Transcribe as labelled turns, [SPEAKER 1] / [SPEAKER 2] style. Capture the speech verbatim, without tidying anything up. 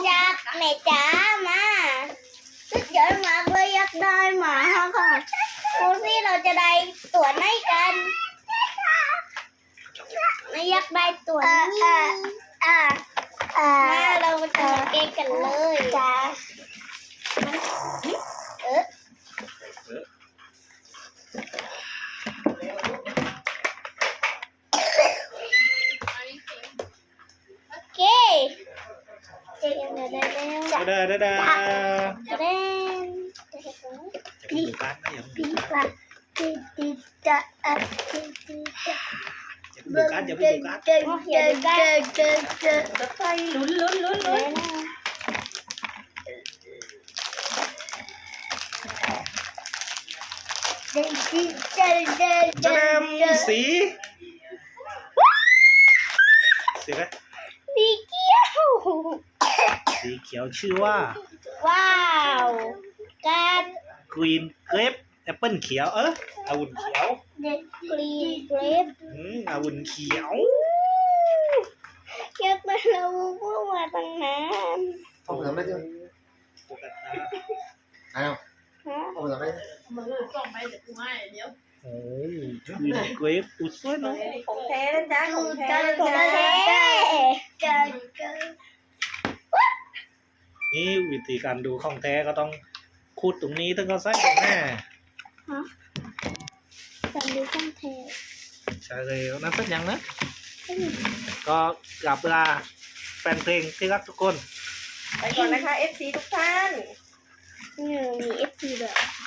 [SPEAKER 1] อยากแม่จ๋ามาสุดยอดมากเลยอยากได้หมาค่ะดูสิเราจะได้ตัวไหนกันไม่อยากได้ตัวนี้อ่าอ่ามาเราจะมาเกมกันเลยจ้าเออโอเคเจอกันเดี๋ยวเดี๋ยวเดี๋ยว
[SPEAKER 2] เด้อเด้อเด้อ
[SPEAKER 1] เดี๋ยวเดี๋ยว
[SPEAKER 2] จะไปดูการ์ดนะอย่า
[SPEAKER 1] ปี
[SPEAKER 2] ไปดู
[SPEAKER 1] ก
[SPEAKER 2] การ์ด
[SPEAKER 1] ว่าตีตีจะอ่ะตีตีจะ
[SPEAKER 2] จะไปดูการ์ดอย่าไปดูการ์ด
[SPEAKER 1] เจอเจอเจอเจอเจอ
[SPEAKER 3] จะไปลุ้นลุ้นลุ้นลุ้น
[SPEAKER 1] เจอเจอเจอเจ
[SPEAKER 2] จะ
[SPEAKER 1] อ
[SPEAKER 2] เริ่ม
[SPEAKER 1] เจอ
[SPEAKER 2] สีสีอะไร
[SPEAKER 1] สีเขียว
[SPEAKER 2] สีเขียวชื่อว่า
[SPEAKER 1] ว้าวการ
[SPEAKER 2] Green Grape แอปเปิลเขียวเออองุ่นเขียว
[SPEAKER 1] เด็ดกรีนเกรป
[SPEAKER 2] อืมองุ่นเขียว
[SPEAKER 1] เก็บมาเราพูดมาตั้งนาน
[SPEAKER 4] เอาไปทำได้จ้ะ
[SPEAKER 2] ปกติ
[SPEAKER 4] เอา
[SPEAKER 1] ฮะ
[SPEAKER 4] เอาไปทำได้
[SPEAKER 3] มือส่งไปเดี๋ยวกูให้เดี๋ยว
[SPEAKER 2] โอ้ Green Grape อุ้ยสวยเนาะ
[SPEAKER 3] ของแท้นะจ๊ะของแท้
[SPEAKER 1] เจอ
[SPEAKER 3] นะ
[SPEAKER 1] เจ
[SPEAKER 3] จ๊ะ
[SPEAKER 1] อเจอเจอ
[SPEAKER 2] นี่วิธีการดูของแท้ก็ต้องขุดตรงนี้ถึงก็ใส่แน่
[SPEAKER 1] จำดูช่องเทป
[SPEAKER 2] ใช่เลยนั่นสักอย่างนะ ก็กลับลาแฟนเพลงที่รักทุกคน
[SPEAKER 3] ไปก่อนนะคะ เอฟ ซี ทุกท่าน
[SPEAKER 1] นี่มีเอฟซีด้วย